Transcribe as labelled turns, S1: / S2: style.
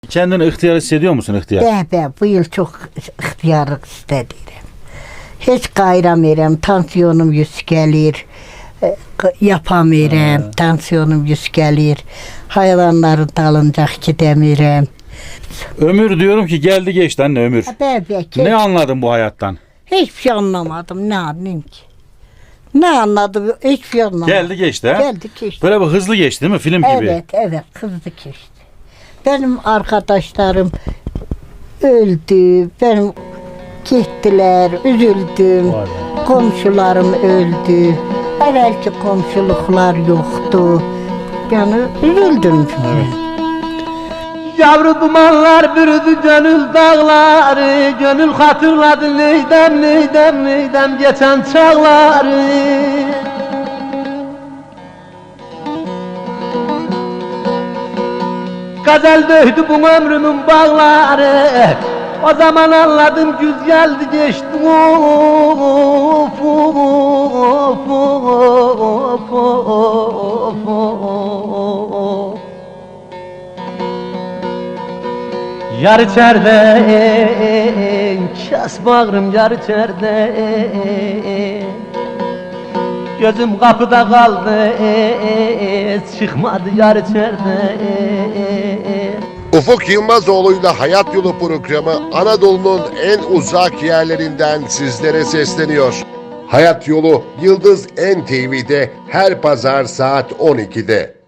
S1: Kendini ihtiyar hissediyor musun ihtiyar?
S2: Ben bu yıl çok ihtiyarlık istedim. Hiç qayramıram, tansiyonum yüksəlir, yapamıram, tansiyonum yüksəlir, hayvanların dalınca gidemiyorum.
S1: Ömür diyorum ki geldi geçti anne ömür.
S2: Belki
S1: Ne anladın bu hayattan?
S2: hiçbir şey anlamadım, ne anlayayım ki? Ne anladım, hiçbir şey anlamadım.
S1: Geldi geçti ha?
S2: Geldi geçti.
S1: Böyle bir hızlı geçti değil mi film gibi?
S2: Evet, hızlı geçti. Benim arkadaşlarım öldü, benim gittiler, üzüldüm.
S1: Vay be.
S2: Komşularım öldü. Evvelki komşuluklar yoktu. Yani üzüldüm.
S3: Yavru dumanlar bürüdü gönül dağları, gönül hatırladı neydem geçen çağları. Gazel döydü bu ömrümün bağları, o zaman anladım güz geldi geçti. Of, of, of, of, of. Yar içeride, kes bağrım yar içeride. Gözüm kapıda kaldı, çıkmadı yar içeride.
S4: Ufuk Yılmazoğlu'yla Hayat Yolu programı Anadolu'nun en uzak yerlerinden sizlere sesleniyor. Hayat Yolu Yıldız NTV'de her pazar saat 12'de.